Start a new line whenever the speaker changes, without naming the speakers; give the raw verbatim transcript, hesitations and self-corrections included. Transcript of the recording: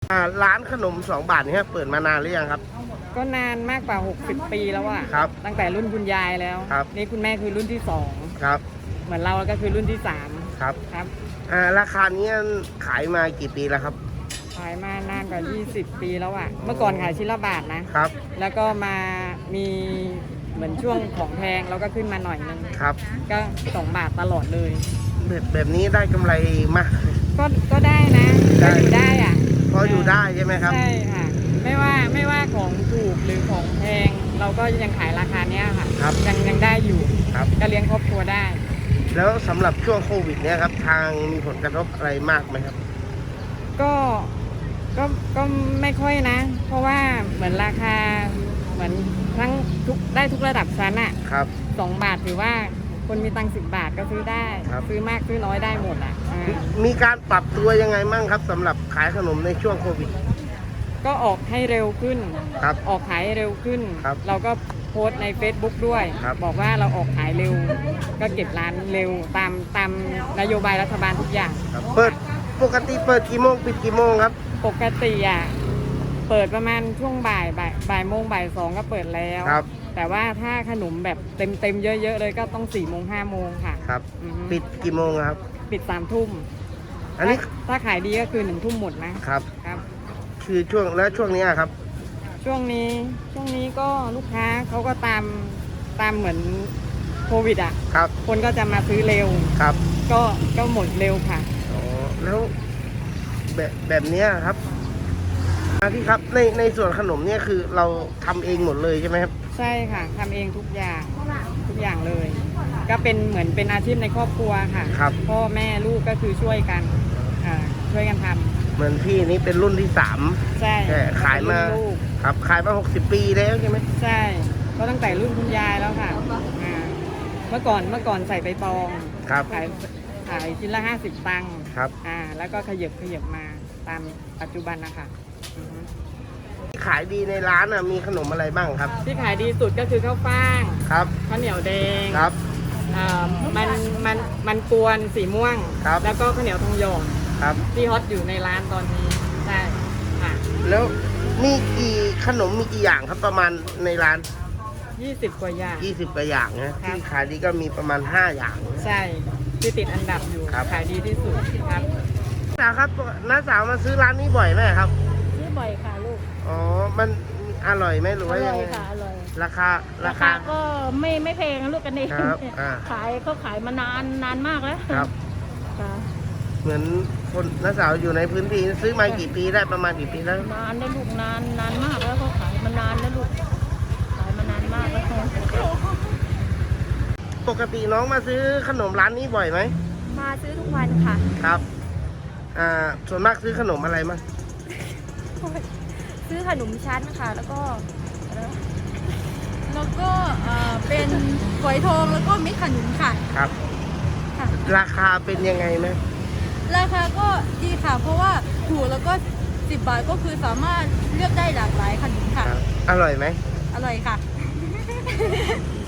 อ่าร้านขนมสองบาทนี่เปิดมานานหรือยังครับ
ก็นานมากกว่าหกสิบปีแล้วอะ
ครับ
ตั้งแต่รุ่นคุณยายแล้ว
ครับ
นี่คุณแม่คือรุ่นที่สอง
ครับ
เหมือนเราก็คือรุ่นที่สาม
ครับ
ครับ
อ่าราคานี้ขายมากี่ปีแล้วครับ
ขายมานานกว่ายี่สิบปีแล้วอะเมื่อก่อนขายชิ้นละบาทนะครับแล้วก็มามีเหมือนช่วงของแพงเราก็ขึ้นมาหน่อยนึง
ครับ
ก็สองบาทตลอดเลย
แบบแบบนี้ได้กำไรมาก
ก็ก็ได้นะก็อยู่ได้อะ
พออยู่ได้ใช่ไหมครับ
ใช่ค่ะไม่ว่าไม่ว่าของถูกหรือของแพงเราก็ยังขายราคาเนี้ยค่ะ
ครับ
ยังยังได้อยู่
ครับ
ก็เลี้ยงครอบครัวได้
แล้วสำหรับช่วงโควิดเนี่ยครับทางมีผลกระทบอะไรมากไหมครับ
ก็ก็ก็ไม่ค่อยนะเพราะว่าเหมือนราคาเหมือนทั้งทุกได้ทุกระดับชั้นอะ
ครับ
สองบาทถือว่าคนมีตังค์สิบบาทก็ซื้อได้ซื้อมากซื้อน้อยได้หมดอ่ะ
มีการปรับตัวยังไงมั่งครับสำหรับขายขนมในช่วงโควิด
ก็ออกให้เร็วขึ้น
ครับ
ออกขายเร็วขึ้นเราก็โพสต์ใน Facebook ด้วยบอกว่าเราออกขายเร็วก็เก็บร้านเร็วตามตามนโยบายรัฐบาลทุกอย่าง
เปิดปกติเปิดกี่โมงปิดกี่โมงครับ
ปกติอ่ะเปิดประมาณช่วงบ่ายบ่ายบ่ายโมงบ่ายสองก็เปิดแล้วแต่ว่าถ้าขนมแบบเต็มเต็มเยอะๆเลยก็ต้องสี่โมงห้าโมงค่ะ
ครับปิดกี่โมงครับ
ปิดสามทุ่ม
อันนี้
ถ้าขายดีก็คือหนึ่งทุ่มหมดนะครับครับ
คือช่วงแล้วช่วงนี้ครับ
ช่วงนี้ช่วงนี้ก็ลูกค้าเขาก็ตามตามเหมือนโควิดอ่ะ
ครับ
คนก็จะมาซื้อเร็ว
ครับ
ก็ก็หมดเร็วค่ะ
อ๋อแล้วแบบแบบนี้ครับพี่ครับในในส่วนขนมเนี่ยคือเราทำเองหมดเลยใช่ไหมครับ
ใช่ค่ะทำเองทุกอย่างทุกอย่างเลยก็เป็นเหมือนเป็นอาชีพในครอบครัวค่ะ
ครับ
พ่อแม่ลูกก็คือช่วยกันอ่าช่วยกันทำ
เหมือนพี่นี้เป็นรุ่นที่สาม
ใช่
ขายมาครับขายมาหกสิบปีแล้วใช่ไหม
ใช่ก็ตั้งแต่รุ่นคุณยายแล้วค่ะอ่าเมื่อก่อนเมื่อก่อนใส่ใบตอง
ครับ
ขายขายชิ้นละห้าสิบตังค์
ครับ
อ่าแล้วก็ขยับขยับมาตามปัจจุบันนะคะ
ขายดีในร้านอ่ะมีขนมอะไรบ้างครับ
ที่ขายดีสุดก็คือข้าวฟ่าง
ครับ
ข้าวเหนียวแดง
ครับ
อ่ามันมันมันกวนสีม่วง
ครับ
แล้วก็ข้าวเหนียวทองหยอง
ครับ
ที่ฮอตอยู่ในร้านตอนนี้ใช่ค่ะ
แล้วมีกี่ขนมมีกี่อย่างครับประมาณในร้าน
ยี่สิบกว่าอย่าง
ยี่สิบกว่าอย่างนะที่ขายดีก็มีประมาณห้าอย่าง
ใช่ที่ติดอันดับอยู่ขายดีที่สุดครับ
น้าสาวครับน้าสาวมาซื้อร้านนี้บ่อยไหมครับ
ซื้อบ่อยค่ะลูก
อ๋อมันอร่อยไหมหรือว่ายังไง
อร่อยค่ะอร่อย
ราคา
ราคาก็ไม่ไม่แพงลูกกันเองขายเขาขายมานานนานมากแล้ว
ครับเหมือนคนน้าสาวอยู่ในพื้นที่ซื้อมากี่ปีได้ประมาณกี่ปีแล้ว
นานได้ลูกนานนานมากแล้วเขาขายมานานแล้วลูกขายมานานมากแล้ว
ปกติน้องมาซื้อขนมร้านนี้บ่อยไหม
มาซื้อทุกวันค่ะ
ครับอ่าส่วนมากซื้อขนมอะไรมั้ง
ซื้อขนมชั้นค่ะแล้วก็แล้วก็เป็นฝอยทองแล้วก็เม็ดขนุนค่ะ
ครับราคาเป็นยังไงไหม
ราคาก็ดีค่ะเพราะว่าถูกแล้วก็สิบบาทก็คือสามารถเลือกได้หลากหลายขนมค่ะ
อร่อยไหม
อร่อยค่ะ